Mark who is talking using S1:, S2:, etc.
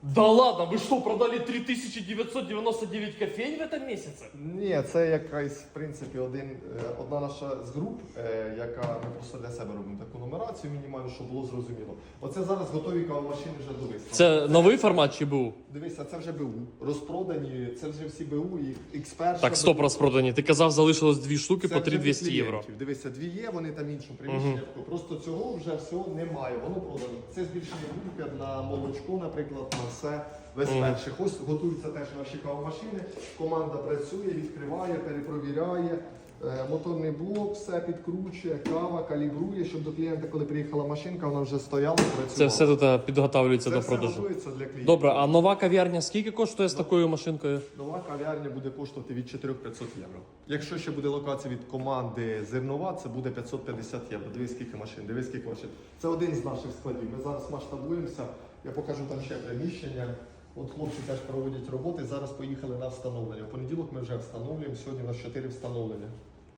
S1: Да ладно, вы что, продали 3999 кофейн в этом месяце?
S2: Ні, це якась, в принципі, одна наша з груп, яка ми просто для себе робимо таку нумерацію мінімальну, щоб було зрозуміло. Оце зараз готові кавомашини вже до виставки.
S1: Це новий формат чи був?
S2: Дивися, це вже БУ. Розпродані, це вже всі БУ і X1.
S1: Так, стоп, розпродані. Ти казав, залишилось 2 штуки
S2: Це
S1: по
S2: вже
S1: 3200
S2: для
S1: євро.
S2: клієнтів. Дивися, 2 є, вони там іншому приміщенні. Просто цього вже всього немає, воно продано. Це збільшення групи на молочко, наприклад, на все. Весь перший. Ось готуються теж наші кавомашини. Команда працює, відкриває, перепровіряє. Моторний блок, все підкручує, кава, калібрує, щоб до клієнта, коли приїхала машинка, вона вже стояла, працювала.
S1: Це все тут підготовлюється
S2: Це
S1: до
S2: все
S1: продажу.
S2: готується для клієнтів.
S1: Добре, а нова кав'ярня скільки коштує з такою машинкою?
S2: Нова кав'ярня буде коштувати від 4500 євро. Якщо ще буде локація від команди зернова, це буде 550 євро. Дивись, скільки машин, дивись, скільки машин. Це один з наших складів. Ми зараз масштабуємося, я покажу там ще приміщення. От хлопці теж проводять роботи, зараз поїхали на встановлення. В понеділок ми вже встановлюємо, сьогодні у нас 4 встановлення.